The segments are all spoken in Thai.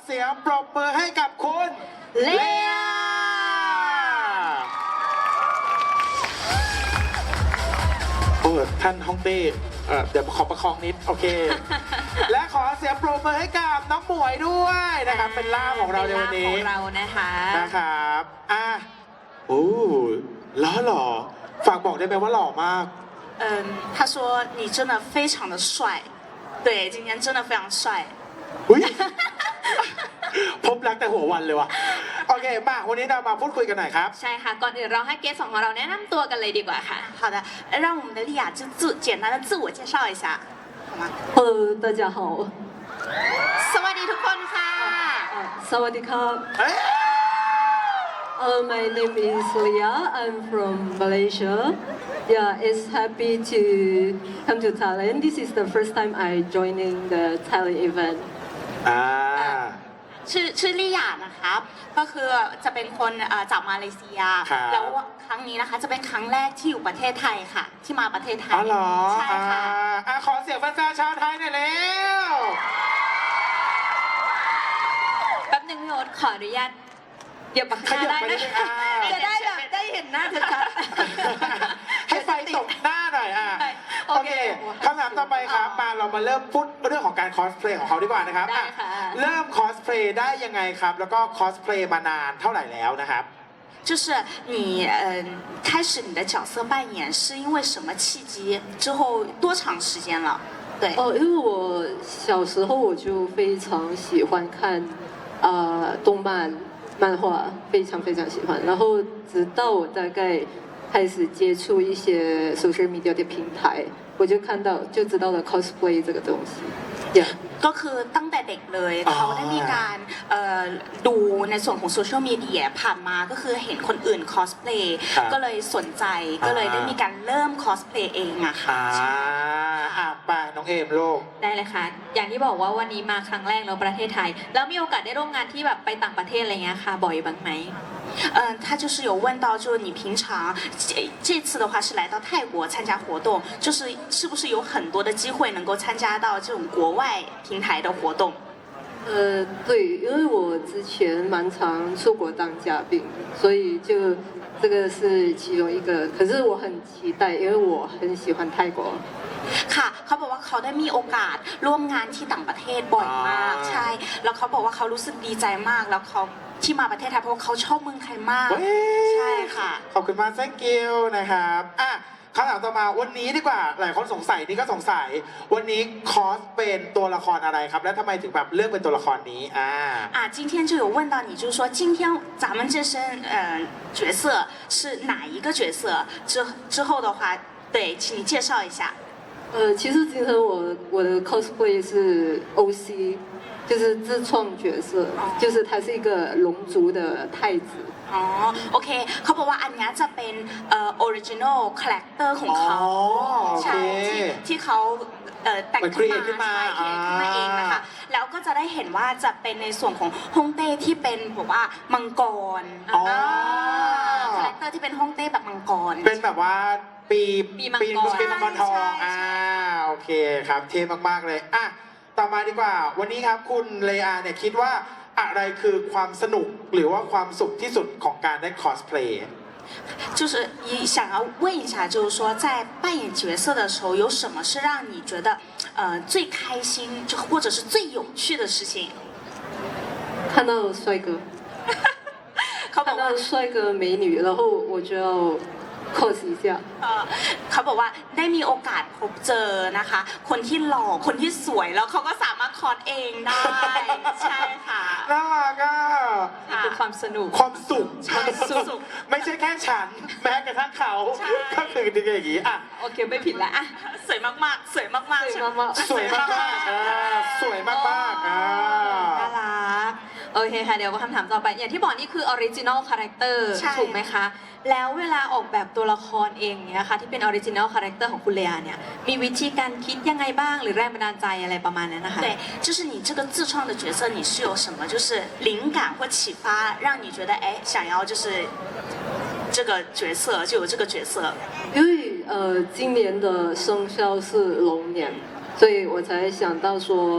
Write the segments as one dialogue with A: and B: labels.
A: เสียงปรบมือให้กับคุณเลอาโอ้ท่านฮ่องเต้เดี๋ยวขอประคองนิดโอเค และขอเสียงปรบมือให้กับน้องหมวยด้วยนะครับเป็นล่ามของเราในวันนี้
B: ของเรานะคะ
A: นะครับโอ้หล่อฝากบอกได้ไหมว่าหล่อมาก
C: 他说你真的非常的帅，对，今天真的非常帅。
A: พบรักแต่หัววันเลยว่ะโอเคมาวันนี้เรามาพูดคุยกันหน่อยครับ
B: ใช่ค่ะก่อนอื่นเราให้เกสของเราแนะนำตัวกันเลยดีกว่าค่ะ
C: 好的，让我们的莉亚就简单的自我介绍一下，好吗
D: Hello，大家好。
C: สวัสดีทุกคนค่ะ
D: สวัสดีครับ My name is Leah. I'm from Malaysia. Yeah, it's happy to come to Thailand. This is the first time I joining the Thailand event.
C: ชื่อลี่หยานะครับก็คือจะเป็นคนจากมาเลเซียแล้วครั้งนี้นะคะจะเป็นครั้งแรกที่อยู่ประเทศไทยค่ะที่มาประเทศไทย
A: อ๋อเหรอ
C: ใช่ค่ะ
A: ขอเสียงแฟนๆชาวไทยหน่อยเร็ว
B: แป๊บนึงพี่โอ๊ตขออนุญาตเดี๋ยวปากกาได้นะจะได้แบบได้เห็นหน้าชัด
A: ให้ไฟตกหน้าหน่อยโอเคคำถามต่อไปครับเรามาเริ่มพูดเรื่องของการคอสเพลย์ของเขาดีกว่านะครับเริ่มคอสเพลย์ได้ยังไงครับแล้วก็คอสเพลย์มานานเท่าไหร่แล้วนะครับ
C: 就是你开始你的角色扮演是因为什么契机之后多长时间了对
D: 因为我小时候我就非常喜欢看动漫漫画非常非常喜欢然后直到我大概开始接触一些 social media 的平台我就知道了 cosplay 这个东西 yeah
C: ก็คือตั้งแต่เด็กเลยเขาได้มีการดูในส่วนของโซเชียลมีเดียผ่านมาก็คือเห็นคนอื่นคอสเพลย์ก็เลยสนใจก็เลยได้มีการเริ่มคอสเพลย์เองอะค่ะ
A: ไปน้องเอมโลก
B: ได้เลยค่ะอย่างที่บอกว่าวันนี้มาครั้งแรกแล้วประเทศไทยแล้วมีโอกาสได้ร่วมงานที่แบบไปต่างประเทศอะไรเงี้ยค่ะบ่อยบ้างไหม
C: 他就是有问到，就是你平常这次的话是来到泰国参加活动，是不是有很多的机会能够参加到这种国外平台的活动？
D: 对，因为我之前蛮常出国当嘉宾，所以就这个是其中一个。可是我很期待，因为我很喜欢泰国。
C: ค่ะเขาบอกว่าเขาได้มีโอกาสร่วมงานที่ต่างประเทศบ่อยมากใช่แล้วเขาบอกว่าเขารู้สึกดีใจมากแล้วเขาที่มาประเทศไทยเพราะว่าเขาชอบเมืองไทยมากใช่ค่ะ
A: ขอบคุณมาก thank you นะครับคำถามต่อมาวันนี้ดีกว่าหลายคนสงสัยนี่ก็สงสัยวันนี้คอสเป็นตัวละครอะไรครับและทำไมถึงแบบเลือกเป็นตัวละครนี้
C: 今天就有问到你就是说今天咱们这身角色是哪一个角色之后的话对请你介绍一下
D: 其实今天我的 cosplay 是 OC 就是自创角色就是他是一个龙族的太子
C: โอเคเขาบอกว่าอันนี้จะเป็นoriginal character ของเขาใช่ที่เขาแต่งขึ้นมาเองนะคะแล้วก็จะได้เห็นว่าจะเป็นในส่วนของฮ่องเต้ที่เป็นแบบว่ามังกรคาแรคเตอร์ที่เป็นฮ่องเต้แบบมังกร
A: เป็นแบบว่าปีมังกรทองโอเคครับเท่มากๆเลยต่อมาดีกว่าวันนี้ครับคุณเลอาเนี่ยคิดว่าอะไรคือความสนุกหรือว่าความสุขที่สุดของการได้คอสเพลย์
C: 就是想要问一下，就是说在扮演角色的时候，有什么是让你觉得最开心，就或者是最有趣的事情？
D: 看到帅哥，看到帅哥美女，然后我就要 cos 一下
C: เขาบอกว่าได้มีโอกาสพบเจอนะคะคนที่หล่อคนที่สวยแล้วเขาก็สามารถคอสเองได้ใช่ค่ะ
A: น่ารัก
B: นี่คือความสนุก
A: ความสุขไม่ใช่แค่ฉันแม้กระทั่งเขาก็คืออย่างนี้
B: โอเคไม่ผิดละ
C: สวยมากๆสวยมากๆ
A: สวยมากๆสวยมาก
B: น่ารักโอเคค่ะเดี๋ยวคำถามต่อไปอย่างที่บอกนี่คือออริจินอลคาแรคเตอร์ถูกไหมคะแล้วเวลาออกแบบตัวละครเองเนี่ยค่ะที่เป็นออริจินอลคาแรคเตอร์ของคุณเลอาเนี่ยมีวิธีการคิดยังไงบ้างหรือแรงบันดาลใจอะไรประมาณนั้นนะคะ
C: 对就是你这个自创的角色你是有什么就是灵感或启发让你觉得想要就是这个角色就有这个角色
D: 因为今年的生肖是龙年所以我才想到说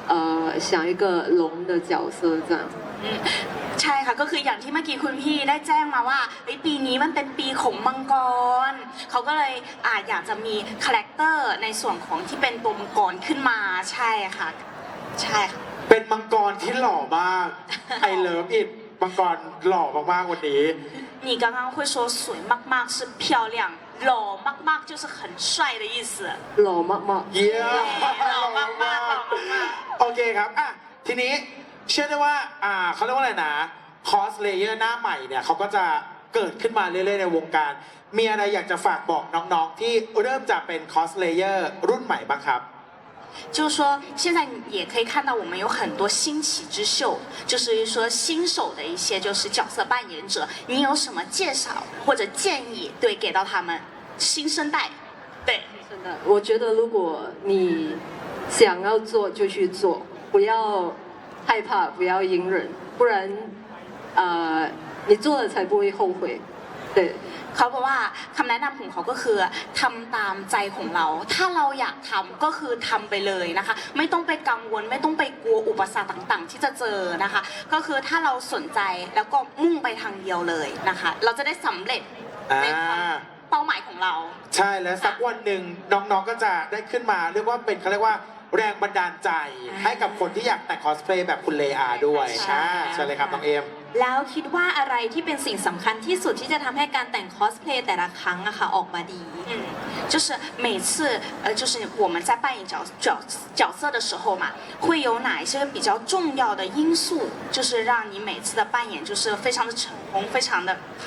D: 想一个龙的角色这样。
C: ใช่ค่ะก็คืออย่างที่เมื่อกี้คุณพี่ได้แจ้งมาว่าปีนี้มันเป็นปีของมังกรเขาก็เลยอยากจะมีคาแรคเตอร์ในส่วนของที่เป็นตัวมังกรขึ้นมาใช่ค่ะใช่ค่ะ
A: เป็นมังกรที่หล่อมาก I love it มังกรหล่อมากๆวันนี้
C: 你刚刚会说水มากๆ是漂亮หล่อมากๆ就是很帅的意思
D: 老妈妈，
A: เยี่ยม
C: หล่อมากๆหล่อมาก
A: โอเคครับอ่ะทีนี้เชื่อได้ว่าเขาเรียกว่าอะไรนะคอสเลเยอร์หน้าใหม่เนี่ยเขาก็จะเกิดขึ้นมาเรื่อยๆในวงการ มีอะไรอยากจะฝากบอกน้องๆที่เริ่มจะเป็นคอสเลเยอร์รุ่นใหม่บ้างครับ
C: 就是说，现在也可以看到我们有很多新起之秀，就是说新手的一些就是角色扮演者，你有什么介绍或者建议对给到他们新生代？对，
D: 真的，我觉得如果你想要做就去做，不要害怕，不要隐忍，不然你做了才不会后悔。对。
C: เขาบอกว่าคำแนะนำของเขาก็คือทำตามใจของเรา ถ้าเราอยากทำก็คือทำไปเลยนะคะ ไม่ต้องไปกังวลไม่ต้องไปกลัวอุปสรรคต่างๆ ที่จะเจอนะคะ ก็คือถ้าเราสนใจแล้วก็มุ่งไปทางเดียวเลยนะคะ เราจะได้สำเร็จในความเป้าหมายของเรา
A: ใช่แล้วสักวันหนึ่งน้องๆก็จะได้ขึ้นมาเรียกว่าเป็นเขาเรียกว่าแรงบันดาลใจให้กับคนที่อยากแต่งคอสเพลย์แบบคุณเลอาด้วย
C: ใช่
A: ใช่เลยครับน้องเอม
B: แล้วคิดว่าอะไรที่เป็นสิ่งสำคัญที่สุดที่จะทำให้การแต่งคอสเพลย์แต่ละครั้งอะค่ะออกมาดี
C: 就是每次就是我们在扮演角色的时候嘛，会有哪一些比较重要的因素，就是让你每次的扮演就是非常的成功，非常的好。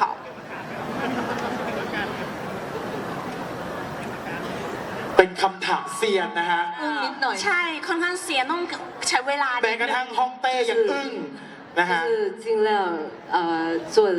A: เป็นคำถามเซียนนะฮะ
B: นิดหน่อย
C: ใช่ค่อนข้างเสียต้องใช้เวลา
A: แม้กระทั่งฮ่องเต้ยังอึ้งนะฮะ
D: 就是尽量做的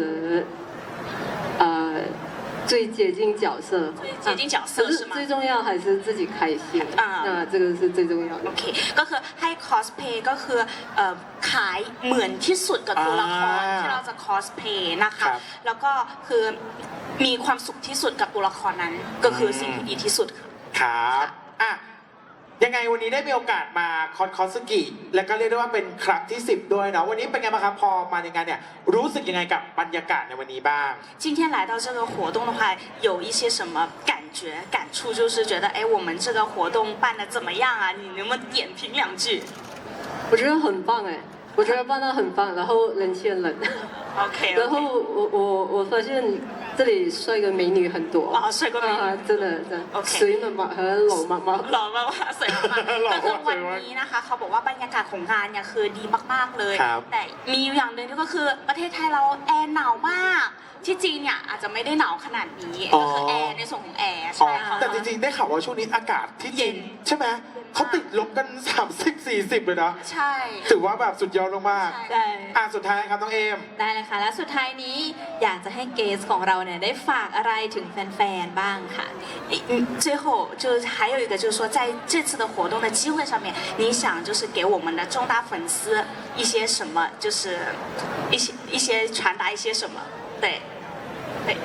D: 最接近角色，
C: 接近角色
D: 可是
C: 是吗
D: 最重要还是自己开心那这个是最重要的。
C: โอเคก็คือให้คอสเพย์ก็คือขายเหมือนที่สุดกับตัวละครที่เราจะคอสเพย์นะคะแล้วก็คือมีความสุขที่สุดกับตัวละครนั้นก็คือสิ่งที่ดีที่สุดค่ะ
A: ครับอ่ะยังไงวันนี้ได้มีโอกาสมาคอสกิและก็เรียกได้ว่าเป็นครั้งที่ 10 ด้วยเนาะวันนี้เป็นไงบ้างครับพอมาในงานเนี่ยรู้สึกยังไงกับบรรยากาศในวันนี้บ้าง
C: 今天来到这个活动的话，有一些什么感觉、感触？就是觉得，哎，我们这个活动办的怎么样啊？你能不能点评两句
D: 我觉得很棒哎，我觉得办得很棒，然后人气很冷。
C: ？OK，
D: 然后我发现这里帅哥美女很多
C: 啊帅哥美女
D: 真的真的
C: OK
D: 水妈妈和老妈妈
C: หล่อมากๆสวยมากๆก็คือวันนี้นะคะเขาบอกว่าบรรยากาศของงานเนี่ยคือดีมากๆเลย
A: ครับ
C: แต่มีอยู่อย่างหนึ่งก็คือประเทศไทยเราแอร์หนาวมาก ที่จีนเนี่ยอาจจะไม่ได้หนาวขนาดนี้ก็คือแอร์ในส่วนของแอร์
A: อ๋อ
C: ใช่ค่ะ
A: แต่จริงๆได้ข่าวว่าช่วงนี้อากาศที่จีนใช่ไหมเขาติดลบกัน 30-40 เลยนะ
C: ใช่
A: ถือว่าแบบสุดยอดมาก
B: ใช่
A: ๆสุดท้ายครับน้องเอม
B: ได้เลยค่ะ และสุดท้ายนี้อยากจะให้เกสของเราเนี่ยได้ฝากอะไรถึงแฟนๆบ้างค่ะ
C: 最后就是还有一个就是说，在这次的活动的机会上面，你想就是给我们的中大粉丝一些什么，就是一些传达一些什么？对，对。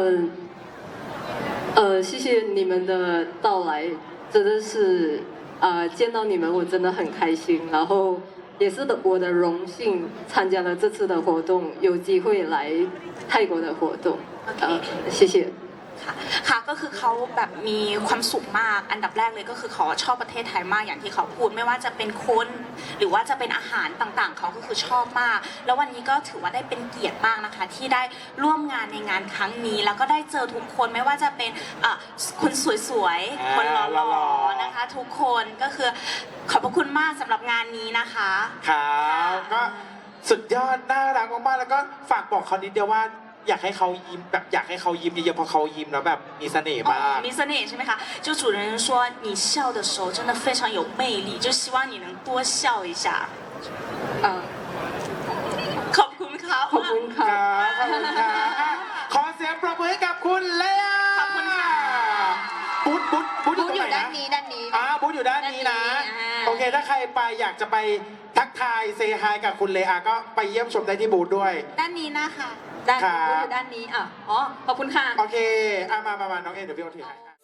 D: 谢谢你们的到来，真的是见到你们我真的很开心，然后也是我的荣幸参加了这次的活动，有机会来泰国的活动，谢谢。
C: ค่ะก็คือเขาแบบมีความสุขมากอันดับแรกเลยก็คือเขาชอบประเทศไทยมากอย่างที่เขาพูดไม่ว่าจะเป็นคนหรือว่าจะเป็นอาหารต่างๆเขาก็คือชอบมาก แล้ววันนี้ก็ถือว่าได้เป็นเกียรติมากนะคะที่ได้ร่วมงานในงานครั้งนี้ แล้วก็ได้เจอทุกคนไม่ว่าจะเป็นคนสวยๆคนหล่อๆนะคะทุกคนก็คือขอบพระคุณมากสำหรับงานนี้นะคะ
A: ครับก็สุดยอดน่ารักมากๆแล้วก็ฝากบอกเขานิดเดียวว่าอยากให้เขายิ้มแบบอยากให้เขายิ้มเยอะๆเพราะเขายิ้มแล้วแบบมีเสน่ห์มาก
C: มีเสน่ห์ใช่ไหมคะ就主持人说你笑的时候真的非常有魅力就希望你能多笑一下ขอบคุณครับ
D: ขอบคุณ
A: ค
D: ค่ะ
A: รับขอบคุณครับขอเสียงปรบมือให้กับคุณเลอา
C: ขอบคุณค่ะ
A: บุ๊ดอยู่ตรงไหน
B: อยู่ด้า
A: นะ
B: นนี้
A: บุ๊ดอยู่ด้านนี้นะ
B: ด้านนี้
A: โอเคถ้าใครไปอยากจะไปทักทายเซฮายกับคุณเลอาก็ไปเยี่ยมชมได้ที่บูธด้วย
C: ด้านนี้นะคะ
B: ด้านนี้อยู่ด้านนี้อ๋อขอบคุณค่ะ
A: โอเคมาน้องเอเดี๋ยวพี่โอถือให้